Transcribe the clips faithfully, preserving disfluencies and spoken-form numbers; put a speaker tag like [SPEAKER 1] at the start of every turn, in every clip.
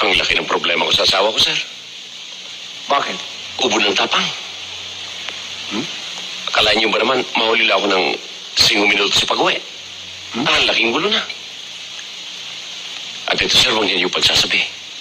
[SPEAKER 1] Ang laki ng problema ko sa asawa ko, sir.
[SPEAKER 2] Bakit?
[SPEAKER 1] Ubo ng tapang. Hmm? Akala niyo ba naman, mahuli lang ako ng singong minuto sa pag-uwi? Hmm? Ang laking gulo na. At ito, sir, huwag niyo pagsasabi.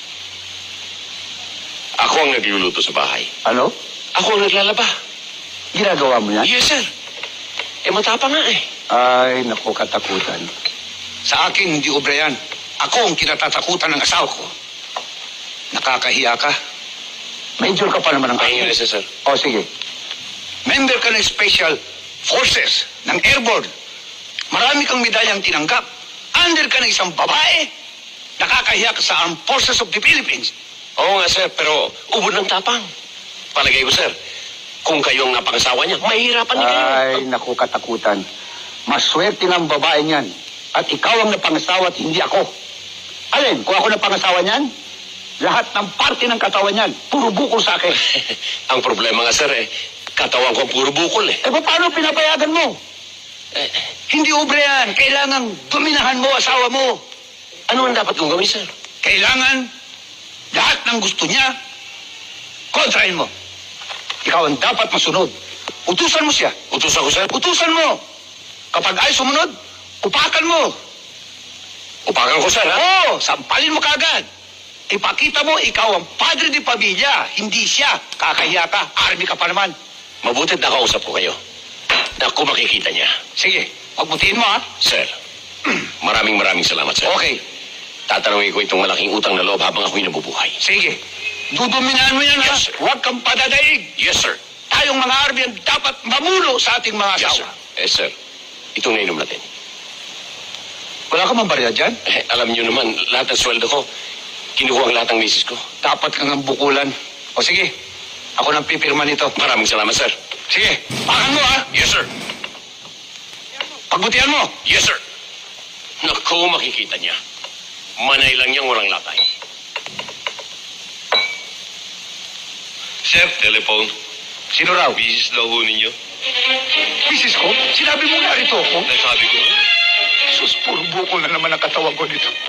[SPEAKER 1] Ako ang nagluluto sa bahay.
[SPEAKER 2] Ano?
[SPEAKER 1] Ako ang naglalaba.
[SPEAKER 2] Ginagawa mo yan?
[SPEAKER 1] Yes, sir. Eh, matapang nga eh.
[SPEAKER 2] Ay, naku, katakutan. Sa akin, hindi obra yan. Ako ang kinatatakutan ng asawa ko. Nakakahiya ka. Major ka pa naman ng
[SPEAKER 1] Pahinga
[SPEAKER 2] army.
[SPEAKER 1] na siya, sir.
[SPEAKER 2] O, sige. Member ka ng Special Forces ng Airborne. Marami kang medalyang tinanggap. Under ka ng isang babae. Nakakahiya ka sa Armed Forces of the Philippines.
[SPEAKER 1] Oo nga, sir, pero ubod ng tapang. Palagay ko, sir, kung kayo ang napangasawa niya, mahihirapan din kayo.
[SPEAKER 2] Ay, naku, katakutan. Maswerte ng babae niyan. At ikaw ang napangasawa at hindi ako. Alin, kung ako napangasawa niyan, lahat ng parte ng katawan niyan, puro bukol sa akin.
[SPEAKER 1] Ang problema nga, sir, eh, katawan ko puro bukol, eh.
[SPEAKER 2] Eh, paano pinapayagan mo?
[SPEAKER 1] eh.
[SPEAKER 2] Hindi ubre yan. Kailangan dominahan mo asawa mo.
[SPEAKER 1] Ano ang dapat kong gawin, sir?
[SPEAKER 2] Kailangan lahat ng gusto niya, kontrahin mo. Ikaw ang dapat masunod. Utusan mo siya.
[SPEAKER 1] Utos ako, sir?
[SPEAKER 2] Utusan mo. Kapag ay sumunod, upakan mo.
[SPEAKER 1] Upakan ko, sir, ha?
[SPEAKER 2] Oo, sampalin mo kagad. Ipakita mo, ikaw ang padre di pamilya. Hindi siya. Kakahiya ka. Army ka pa naman.
[SPEAKER 1] Mabutit nakausap ko kayo. Naku, makikita niya.
[SPEAKER 2] Sige, pagbutiin mo, ha?
[SPEAKER 1] Sir, maraming maraming salamat, sir.
[SPEAKER 2] Okay.
[SPEAKER 1] Tatanungin ko itong malaking utang na loob habang ako'y nabubuhay.
[SPEAKER 2] Sige. Duduminahan mo yan,
[SPEAKER 1] Yes, sir.
[SPEAKER 2] ha? Huwag kang padadaig.
[SPEAKER 1] Yes, sir.
[SPEAKER 2] Tayong mga Army ang dapat mamulo sa ating mga
[SPEAKER 1] Yes, sir.
[SPEAKER 2] asawa.
[SPEAKER 1] Eh, sir, itong nainom natin.
[SPEAKER 2] Wala ka mang barya dyan?
[SPEAKER 1] Eh, alam niyo naman, lahat ng sweldo ko, kinukuha ang lahat ng misis ko.
[SPEAKER 2] Dapat kang ang bukulan. O sige, ako nang pipirma nito.
[SPEAKER 1] Maraming salamat, sir.
[SPEAKER 2] Sige, pakan mo, ha?
[SPEAKER 1] Yes, sir.
[SPEAKER 2] Pagbutihan mo.
[SPEAKER 1] Yes, sir. Naku, makikita niya. Manay lang niyang walang latay. Sir, telephone.
[SPEAKER 2] Sino raw?
[SPEAKER 1] Misis daw ho ninyo.
[SPEAKER 2] Misis ko? Sinabi mo nga rito ako.
[SPEAKER 1] Nasabi ko na.
[SPEAKER 2] Sus, puro bukol na naman ang katawan ko nito.